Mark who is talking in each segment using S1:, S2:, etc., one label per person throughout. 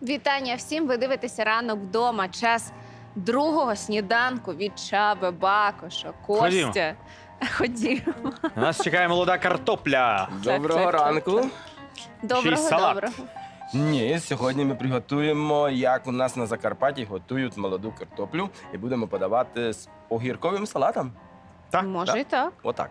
S1: Вітання всім! Ви дивитеся «Ранок вдома». Час другого сніданку від Чаби, Бакоша, Костя. Ходімо.
S2: Нас чекає молода картопля.
S3: Доброго ранку.
S1: Доброго,
S2: салат.
S1: доброго.
S3: Ні, сьогодні ми приготуємо, як у нас на Закарпатті готують молоду картоплю і будемо подавати з огірковим салатом.
S2: Так,
S1: Може
S3: так.
S1: і так.
S3: Отак.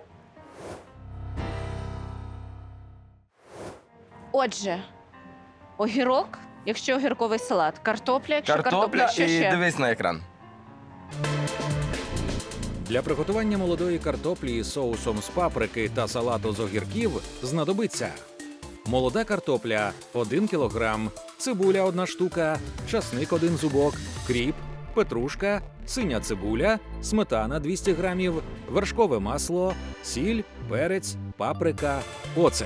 S1: Отже, огірок, якщо огірковий салат, картопля, якщо картопля, що
S3: і
S1: ще?
S3: дивись на екран.
S4: Для приготування молодої картоплі із соусом з паприки та салату з огірків знадобиться молода картопля – 1 кг, цибуля – 1 штука, часник – 1 зубок, кріп, петрушка, синя цибуля, сметана – 200 г, вершкове масло, сіль, перець, паприка, оцет.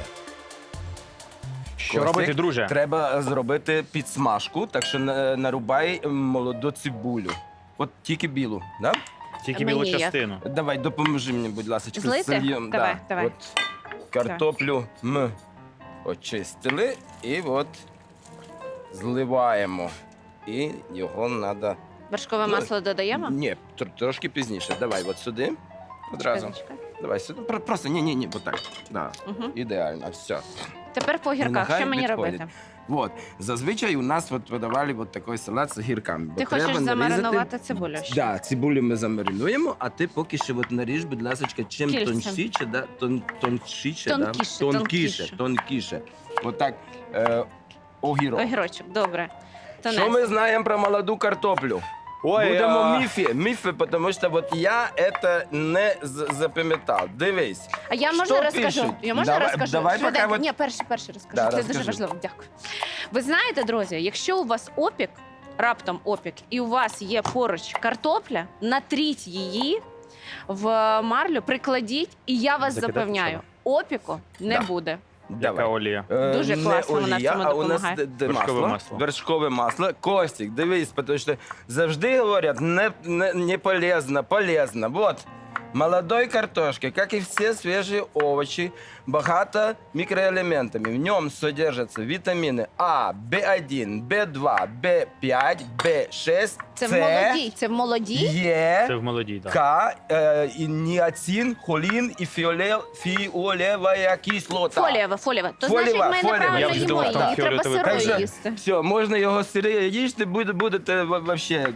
S2: Що
S3: Костик,
S2: робити, друже?
S3: Треба зробити підсмажку, так що нарубай молоду цибулю. От тільки білу, да?
S2: Тільки
S1: Мені
S2: білу
S1: як?
S2: частину.
S3: Давай, допоможи мені, будь ласка.
S1: Злити?
S3: Зальєм,
S1: Давай, давай.
S3: От картоплю ми очистили і от зливаємо. І його треба...
S1: Вершкове масло додаємо?
S3: Ні, трошки пізніше. Давай от сюди. Одразу.
S1: Чекай.
S3: Давай сюди. Просто ні, отак. Да.
S1: Мгм.
S3: Ідеально, все.
S1: Тепер по огірках.
S3: Нехай
S1: Що мені
S3: відходить.
S1: робити?
S3: Вот. Зазвичай у нас от подавали от такий салат з гірками.
S1: Ти хочеш замаринувати цибулю ще?
S3: Да, цибулю ми замаринуємо, а ти поки що от наріж, будь ласка, чим
S1: Кільцем.
S3: тоншіше, да, тонкіше,
S1: Тонкіше,
S3: да?
S1: тонкіше.
S3: тонкіше. Отак, огірок.
S1: Огірочок, добре.
S3: Що ми знаємо про молоду картоплю?
S2: Ой,
S3: Будемо міфи, тому що от я це не запам'ятав. Дивись.
S1: А я
S3: Що
S1: можна розкажу?
S3: пишуть?
S1: Я можна
S3: Давай-
S1: розкажу?
S3: давай поки
S1: Швиденько.
S3: от-
S1: Ні, перший розкажу.
S3: Да,
S1: Це дуже
S3: розкажи.
S1: важливо. Дякую. Ви знаєте, друзі, якщо у вас опік, раптом опік, і у вас є поруч картопля, натріть її в марлю, прикладіть, і я вас
S2: Закидати
S1: запевняю,
S3: треба?
S1: опіку не
S3: Да.
S1: буде.
S2: Яка олія?
S1: Дуже
S3: Не
S1: класно вона в
S3: олія,
S1: цьому
S3: а у нас
S1: допомагає.
S2: Вершкове
S3: масло.
S2: масло.
S3: Вершкове масло. Костик, дивись, тому що завжди говорять, не полезно, полезно. Вот. Молодой картошки, как и все свежие овощи, богато микроэлементами. В нем содержатся витамины А, В1, В2, В5, В6,
S1: Це в
S3: С,
S1: молодій, це в молодій.
S2: Це
S3: Е,
S2: в молодій, так.
S3: К, и ниацин, холин и фиолевая кислота.
S1: Фолієва. То
S3: Фолієва,
S1: значить, ми
S3: фолієва.
S1: неправильно
S2: Я вже
S1: їмо
S2: думав, там
S1: її. Треба
S2: фіолетовий
S1: сирою
S3: колір.
S1: їсти.
S3: Все, можна його сире їсти, будете вообще,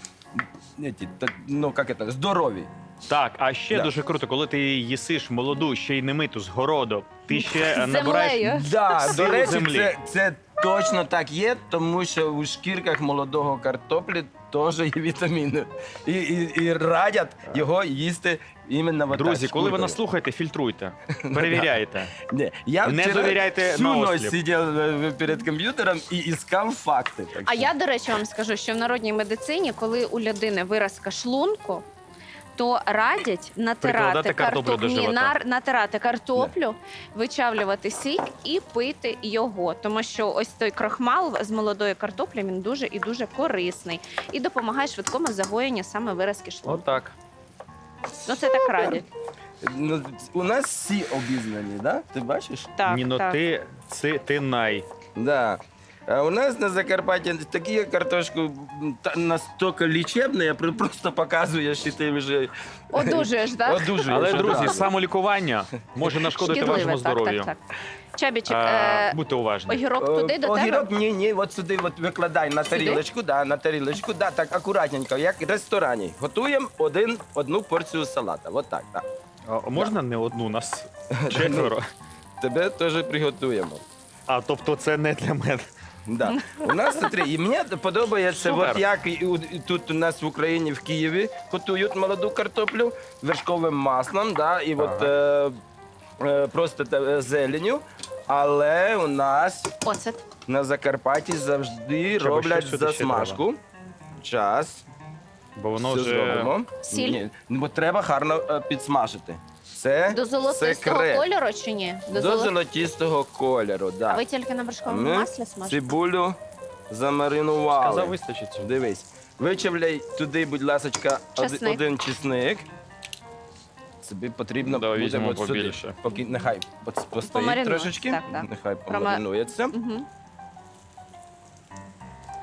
S3: ну, как это, здорові.
S2: Так, а ще
S3: Да.
S2: дуже круто, коли ти їсиш молоду, ще й не миту з городу, ти ще
S1: З
S2: набираєш...
S1: землею.
S3: Да,
S2: Сили
S3: до речі,
S2: землі.
S3: це точно так є, тому що у шкірках молодого картоплі теж є вітаміни. І радять його їсти іменно вот
S2: Друзі,
S3: так,
S2: коли ви
S3: шкуркою.
S2: нас слухаєте, фільтруйте, перевіряйте.
S3: Ні, я
S2: Не
S3: вчора
S2: довіряйте
S3: всю
S2: на
S3: ночь
S2: осліп.
S3: сидів перед комп'ютером і іскав факти. Так
S1: А
S3: що-
S1: я, до речі, вам скажу, що в народній медицині, коли у людини виразка шлунку, то радять натирати
S2: Прикладати картоплю до живота.
S1: натирати картоплю, вичавлювати сік і пити його. Тому що ось той крохмал з молодої картоплі, він дуже і дуже корисний і допомагає швидкому загоєнню саме виразки шлунку.
S2: Отак.
S1: Ну це так радять.
S3: Ну, у нас всі обізнані, да? Ти бачиш?
S1: Так,
S2: Ні, ну
S1: так.
S2: ти най.
S3: Да. А у нас на Закарпатті такі картошку настільки лічебні, я просто показую, що ти вже
S1: Одужуєш, так?
S3: одужуєш.
S2: Але, друзі,
S3: одразу.
S2: самолікування може нашкодити вашому здоров'ю.
S1: Так. Чабічик,
S2: Будьте уважні.
S1: огірок туди до тебе?
S3: Огірок, ні, от сюди от викладай на тарілочку, на тарілочку, так, акуратненько, як в ресторані. Готуємо одну порцію салата, от так, так.
S2: А можна не одну, нас четверо.
S3: Тебе теж приготуємо.
S2: А, тобто це не для мене.
S3: Да. У нас смотри, і мені подобається,
S2: Супер.
S3: от як і тут у нас в Україні, в Києві, готують молоду картоплю вершковим маслом, да, і от просто зеленю. Але у нас
S1: Оцет.
S3: на Закарпатті завжди
S2: Чаба,
S3: роблять
S2: що сюди ще
S3: засмажку. Час.
S2: Бо воно
S3: Все
S2: вже...
S3: зробимо.
S1: Сіль?
S3: Ні, бо треба гарно підсмажити. Це
S1: До золотистого
S3: секрет.
S1: кольору чи ні?
S3: До золотистого кольору,
S1: А
S3: да.
S1: ви тільки на вершковому
S3: Ми
S1: маслі смажите?
S3: цибулю замаринували.
S2: Сказав, вистачить цього.
S3: Дивись, вичавляй туди, будь ласка,
S1: Чесник.
S3: один чесник. Тобі потрібно
S2: Давай
S3: буде
S2: візьмемо
S3: от сюди.
S2: побільше.
S3: Поки нехай постоїть
S1: Помаринує,
S3: трошечки,
S1: так, так.
S3: нехай помаринується.
S1: Угу.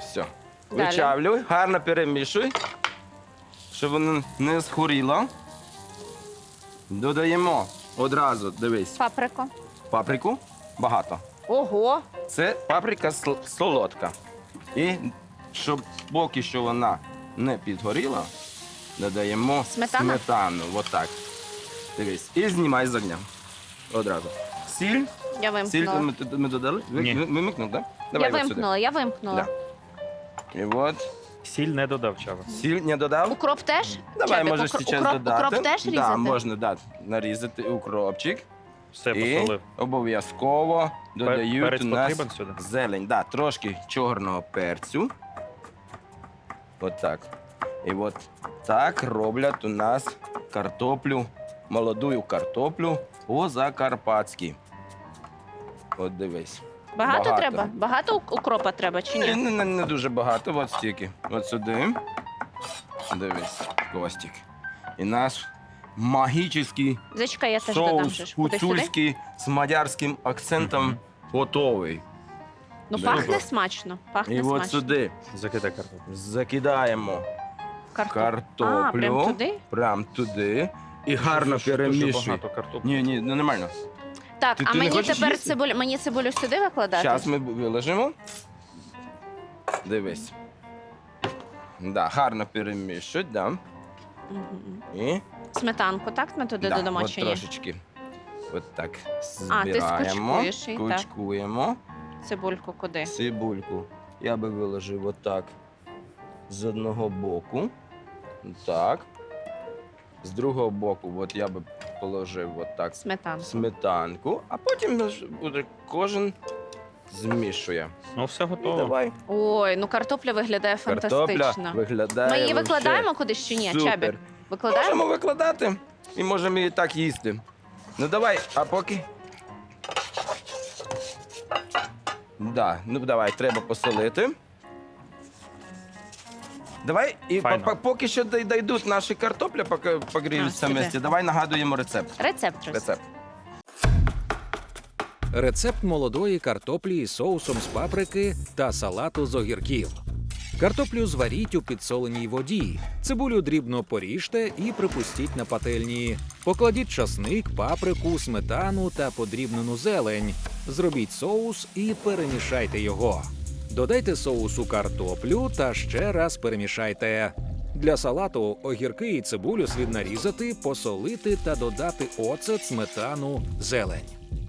S3: Все.
S1: Далі.
S3: Вичавлюй, гарно перемішуй, щоб воно не схоріло. Додаємо одразу, дивись,
S1: Паприку.
S3: паприку. Багато.
S1: Ого.
S3: Це паприка солодка. І щоб поки що вона не підгоріла, додаємо
S1: Сметана?
S3: сметану. Отак. Дивись. І знімай з огня. Одразу. Сіль.
S1: Я
S3: Сіль
S1: вимкнула.
S3: ми додали?
S2: Ні.
S3: Вимикнув, так? Да?
S1: Я
S3: от сюди.
S1: вимкнула, я вимкнула.
S3: Да. І от.
S2: Сіль не додав, Чаба.
S3: Сіль не додав?
S1: Укроп теж?
S3: Давай,
S1: Чабік,
S3: можеш зараз додати.
S1: Укроп теж різати?
S3: Да, можна нарізати укропчик.
S2: Все
S3: І
S2: посолив.
S3: обов'язково додають
S2: Перець
S3: у нас
S2: потрібен сюди?
S3: зелень. Да, трошки чорного перцю. От так. І от так роблять у нас картоплю, молоду картоплю по-закарпатськи. От дивись.
S1: Багато треба? Багато укропа треба чи ні?
S3: Не дуже багато, от стільки. От сюди. Дивись, Костік. І наш магічний
S1: Зачекай, я теж додам.
S3: соус
S1: же ж. Куди сюди?
S3: гуцульський з мадярським акцентом
S2: Мгм.
S3: готовий.
S1: Ну,
S3: Добре.
S1: пахне смачно. Пахне
S3: І
S1: смачно.
S3: от сюди
S2: Закидай картоплю.
S3: закидаємо картоплю.
S1: А, прям туди?
S3: Прям туди. І гарно
S2: Дуже
S3: перемішуй.
S2: багато картоплі.
S3: Ні, нормально.
S1: Так,
S3: Ти
S1: а
S3: не
S1: мені
S3: хочеш
S1: тепер
S3: їсти?
S1: цибулю, мені цибулю сюди викладати?
S3: Зараз ми виложимо. Дивись. Да, гарно перемішуй, да.
S1: Мгм.
S3: І
S1: Сметанку, так ми туди додамо
S3: от
S1: чи ні?
S3: трошечки. От так
S1: А, ти
S3: збираємо.
S1: скучкуєш її, так.
S3: Скучкуємо.
S1: Цибульку куди?
S3: Цибульку я би виложив отак з одного боку. Так. З другого боку, от я би положив отак
S1: Сметанку.
S3: сметанку, а потім буде кожен змішує.
S2: Ну, все
S3: І
S2: готово.
S3: давай.
S1: Ой, ну картопля виглядає
S3: Картопля
S1: фантастично.
S3: виглядає.
S1: Ми її
S3: вообще
S1: викладаємо кудись чи ні?
S3: супер.
S1: Чабік? Викладаємо?
S3: Можемо викладати і можемо її так їсти. Ну давай, а поки. Да, ну давай, треба посолити. Давай, і
S2: Файно.
S3: поки що дійдуть наші картопля, поки погріються
S1: сюди.
S3: вместе, давай нагадуємо рецепт.
S1: Рецепт. Рус.
S3: Рецепт.
S4: Рецепт молодої картоплі із соусом з паприки та салату з огірків. Картоплю зваріть у підсоленій воді. Цибулю дрібно поріжте і припустіть на пательні. Покладіть часник, паприку, сметану та подрібнену зелень. Зробіть соус і перемішайте його. Додайте соусу картоплю та ще раз перемішайте. Для салату огірки і цибулю слід нарізати, посолити та додати оцет, сметану, зелень.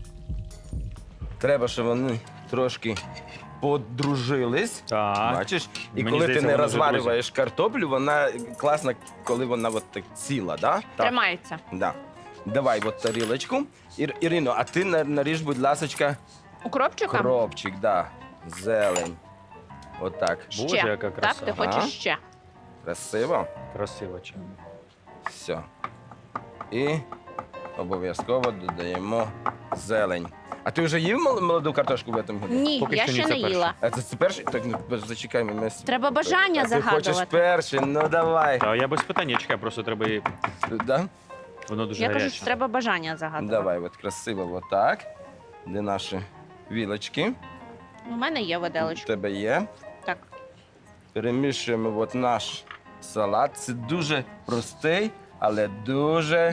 S3: Треба, щоб вони трошки подружились.
S2: Так.
S3: Бачиш? І
S2: Мені
S3: коли
S2: здається,
S3: ти не
S2: вони вже
S3: розварюєш картоплю, вона класна, коли вона от так ціла, да?
S1: Тримається.
S3: Да. Давай от тарілочку. Ірино, а ти наріж, будь ласочка,
S1: Укропчиком?
S3: кропчик, да. Зелень. Отак.
S1: Ще.
S2: Боже, яка краса.
S1: Так, ти
S3: Ага.
S1: хочеш ще?
S3: Красиво.
S2: Красиво, Чаба.
S3: Все. І обов'язково додаємо зелень. А ти вже їв молоду картошку в цьому году?
S1: Ні,
S2: Поки
S1: я
S2: що ні,
S1: ще
S2: це
S1: не
S2: перше.
S1: їла.
S3: А це перший? Так, ну, зачекай, ми...
S1: Треба бажання
S3: А ти хочеш
S1: загадувати.
S3: перший? Ну давай.
S2: Та я без питань, я чекаю, просто треба її.
S3: Да?
S2: Воно дуже
S1: Я
S2: гаряче.
S1: кажу, що треба бажання загадувати.
S3: Давай, от красиво, отак. Де наші вілочки?
S1: У мене є
S3: У
S1: виделочка.
S3: тебе є.
S1: Так.
S3: Перемішуємо от наш салат. Це дуже простий, але дуже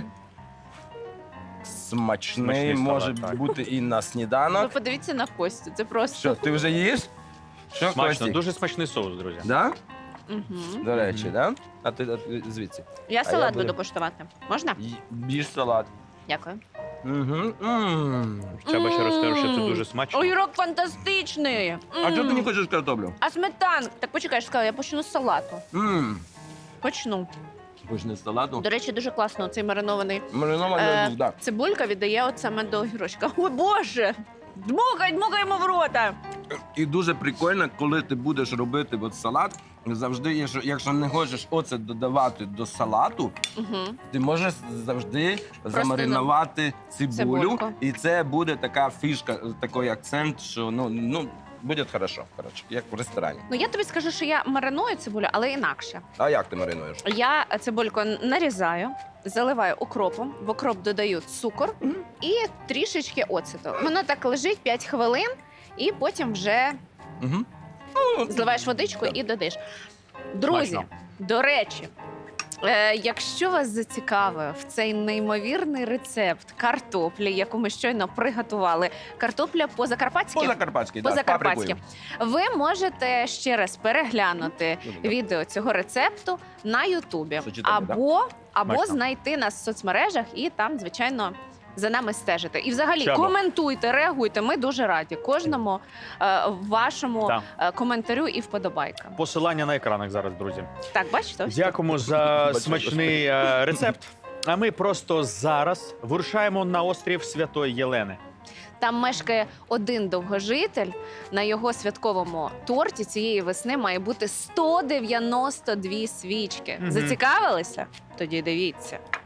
S3: смачний.
S2: Смачний
S3: Може
S2: салат, так.
S3: бути і на
S1: Ви
S3: сніданок.
S1: подивіться на Костю, це просто.
S3: Що, ти вже їш? Що,
S2: Смачно,
S3: Костік?
S2: дуже смачний соус, друзі.
S3: Да?
S1: Угу.
S3: До речі,
S2: Мгм.
S3: да? А ти звідси.
S1: Я
S3: я
S1: салат
S3: буду-
S1: буду коштувати. Можна?
S3: Їж салат.
S1: Дякую.
S3: Угу.
S2: Чаба ще розкаже, що це
S1: М.
S2: дуже смачно.
S1: Огірок фантастичний.
S3: А чого ти не
S1: М.
S3: хочеш картоплю?
S1: А сметанка? Так почекай, я ж сказала, я почну з салату. Почну.
S3: Хочеш з салату?
S1: До речі, дуже класно цей маринований.
S3: Маринований лук, да.
S1: Цибулька віддає от саме до огірочка. О, Боже! Дмухаємо в рота!
S3: І дуже прикольно, коли ти будеш робити от салат, завжди, якщо не хочеш оцет додавати до салату,
S1: Угу.
S3: ти можеш завжди замаринувати цибулю,
S1: Цибульку.
S3: і це буде така фішка, такий акцент, що ну буде хорошо, коротше, як в ресторані.
S1: Ну я тобі скажу, що я мариную цибулю, але інакше.
S3: А як ти маринуєш?
S1: Я цибульку нарізаю, заливаю укропом, в укроп додаю цукор і трішечки оцету. Воно так лежить 5 хвилин, і потім вже
S3: Угу.
S1: Зливаєш водичку і додаєш. Друзі,
S2: Смачно.
S1: до речі, якщо вас зацікавив цей неймовірний рецепт картоплі, яку ми щойно приготували, картопля по-закарпатськи,
S3: По-закарпатськи, да, з
S1: по-закарпатськи,
S3: паприкою.
S1: ви можете ще раз переглянути відео цього рецепту на Ютубі
S3: Сочетання, да?
S1: або
S2: Смачно.
S1: знайти нас в соцмережах і там, звичайно, за нами стежити. І взагалі
S2: Чабо.
S1: коментуйте, реагуйте. Ми дуже раді кожному вашому
S2: Так.
S1: коментарю і вподобайкам.
S2: Посилання на екранах зараз, друзі.
S1: Так, бачите? Ось тут.
S2: Дякуємо за
S3: Бачу,
S2: смачний рецепт. А ми просто зараз вирушаємо на острів Святої Єлени.
S1: Там мешкає один довгожитель. На його святковому торті цієї весни має бути 192 свічки.
S2: Мгм.
S1: Зацікавилися? Тоді дивіться.